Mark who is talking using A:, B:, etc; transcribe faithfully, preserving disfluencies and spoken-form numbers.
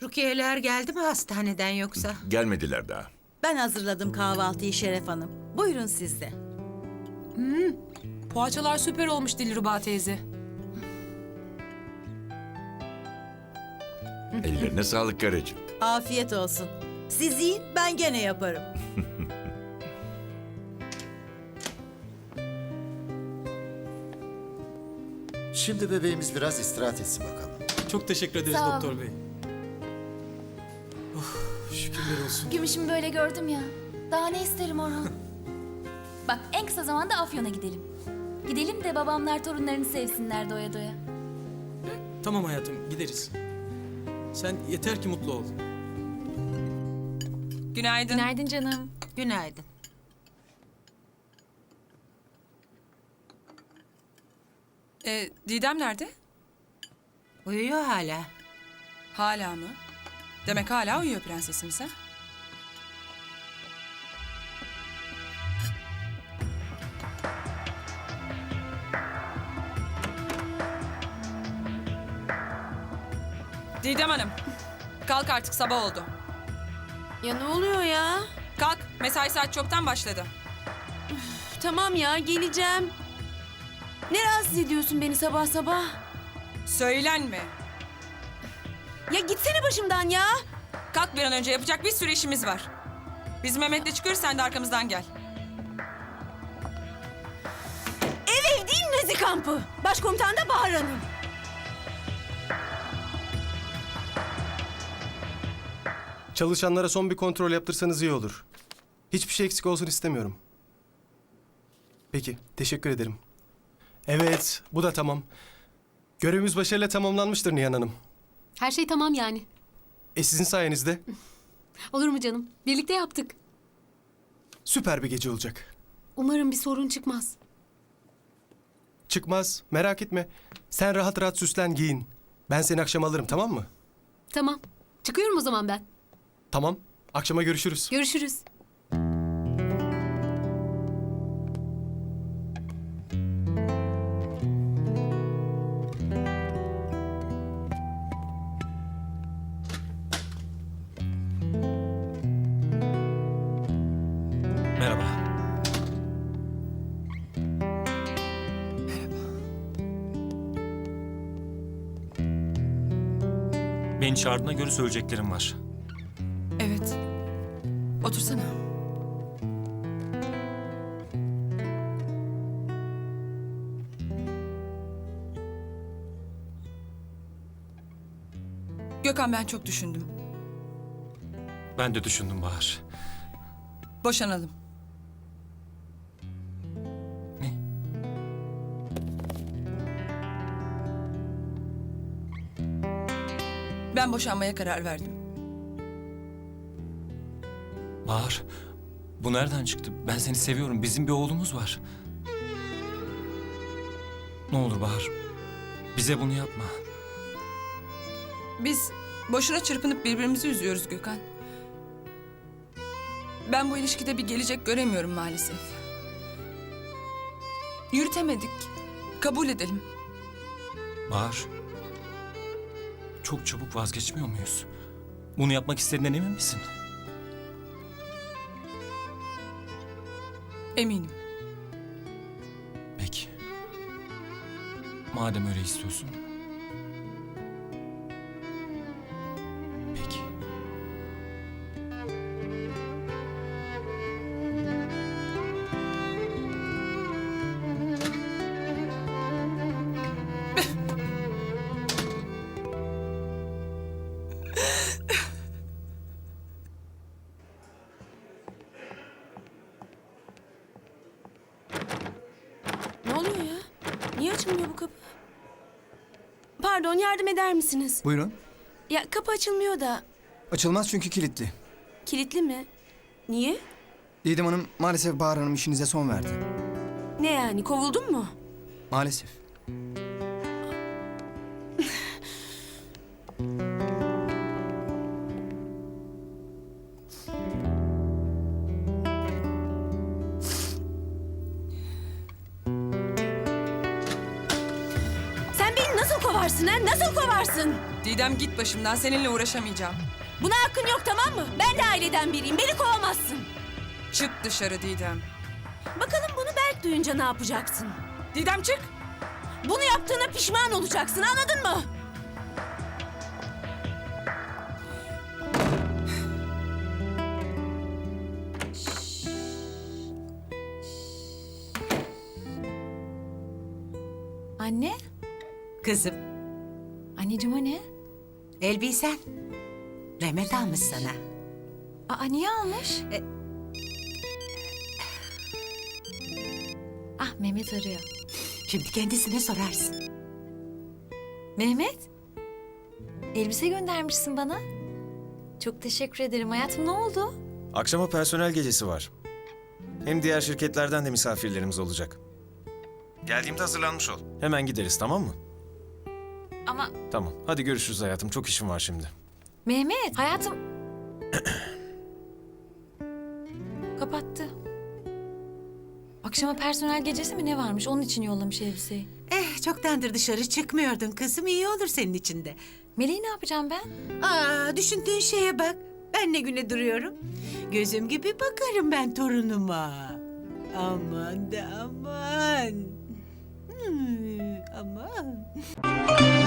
A: Rukiyeler geldi mi hastaneden yoksa?
B: Gelmediler daha.
C: Ben hazırladım kahvaltıyı Şeref Hanım. Buyurun siz de.
D: Poğaçalar süper olmuş Dilruba teyze.
B: Ellerine sağlık karıcığım.
C: Afiyet olsun. Siz yiyin, ben gene yaparım.
E: Şimdi bebeğimiz biraz istirahat etsin bakalım.
F: Çok teşekkür ederiz
G: Sağ ol.
F: doktor bey. Oh, şükürler olsun.
G: Gümüşümü böyle gördüm ya. Daha ne isterim Orhan? Bak en kısa zamanda Afyon'a gidelim. Gidelim de babamlar torunlarını sevsinler doya doya.
F: Tamam hayatım, gideriz. Sen yeter ki mutlu ol.
D: Günaydın.
G: Günaydın canım.
A: Günaydın.
D: Ee, Didem nerede?
A: Uyuyor hala.
D: Hala mı? Demek hala uyuyor prensesimiz ha? Didem Hanım, kalk artık sabah oldu.
H: Ya ne oluyor ya?
D: Kalk, mesai saat çoktan başladı.
H: Tamam ya geleceğim. Ne rahatsız ediyorsun beni sabah sabah?
D: Söylenme.
H: Ya gitsene başımdan ya.
D: Kalk bir an önce, yapacak bir sürü işimiz var. Biz Mehmet'le çıkıyoruz, sen de arkamızdan gel.
H: Ev ev değil Nazi kampı. Başkomutan da Bahar Hanım.
I: Çalışanlara son bir kontrol yaptırsanız iyi olur. Hiçbir şey eksik olsun istemiyorum. Peki, teşekkür ederim. Evet, bu da tamam. Görevimiz başarıyla tamamlanmıştır Nihan Hanım.
J: Her şey tamam yani.
I: E sizin sayenizde
J: Olur mu canım? Birlikte yaptık.
I: süper bir gece olacak.
J: Umarım bir sorun çıkmaz.
I: Çıkmaz, merak etme. Sen rahat rahat süslen, giyin. Ben seni akşam alırım, tamam mı?
J: Tamam. Çıkıyorum o zaman ben.
I: Tamam, akşama görüşürüz.
J: Görüşürüz.
F: Merhaba.
K: Beni çağırdığına göre söyleyeceklerim var.
D: Evet. Otursana. Gökhan, ben çok düşündüm.
K: Ben de düşündüm Bahar.
D: Boşanalım.
K: Ne?
D: Ben boşanmaya karar verdim.
K: Bahar, bu nereden çıktı? Ben seni seviyorum. Bizim bir oğlumuz var. Ne olur Bahar, bize bunu yapma.
D: Biz boşuna çırpınıp birbirimizi üzüyoruz Gökhan. Ben bu ilişkide bir gelecek göremiyorum maalesef. Yürütemedik. Kabul edelim.
K: Bahar, çok çabuk vazgeçmiyor muyuz? Bunu yapmak istediğinden emin misin?
D: Eminim.
K: Peki. Madem öyle istiyorsun. Peki.
H: Ne oluyor ya? Niye açılmıyor bu kapı? Pardon yardım eder misiniz?
L: Buyurun.
H: Ya kapı açılmıyor da.
L: Açılmaz çünkü kilitli.
H: Kilitli mi? Niye?
L: Didem Hanım maalesef Bahar Hanım işinize son verdi.
H: Ne yani kovuldun mu?
L: Maalesef.
H: Sen beni nasıl kovarsın? kovarsın ha? Nasıl kovarsın?
D: Didem git başımdan, seninle uğraşamayacağım.
H: Buna hakkın yok tamam mı? Ben de aileden biriyim. Beni kovamazsın.
D: Çık dışarı Didem.
H: Bakalım bunu Berk duyunca ne yapacaksın?
D: Didem çık.
H: Bunu yaptığına pişman olacaksın anladın mı?
G: Anne,
A: Kızım,
G: anneciğim o ne?
A: elbisen. Mehmet almış sana.
G: Aa niye almış?
A: E-
G: Ah Mehmet arıyor.
A: Şimdi kendisine sorarsın.
G: Mehmet, elbise göndermişsin bana. Çok teşekkür ederim hayatım. Ne oldu?
M: Akşama personel gecesi var. Hem diğer şirketlerden de misafirlerimiz olacak. Geldiğimde hazırlanmış ol. Hemen gideriz tamam mı?
G: Ama
M: Tamam. Hadi görüşürüz hayatım. Çok işim var şimdi.
G: Mehmet, hayatım... Kapattı. Akşama personel gecesi mi ne varmış? Onun için yollamış elbiseyi.
A: Eh, çoktandır dışarı çıkmıyordun kızım. İyi olur senin için de.
G: Meleği ne yapacağım ben?
A: Aa, düşündüğün şeye bak. Ben ne güne duruyorum. Gözüm gibi bakarım ben torunuma. Aman da aman. Hmm, aman.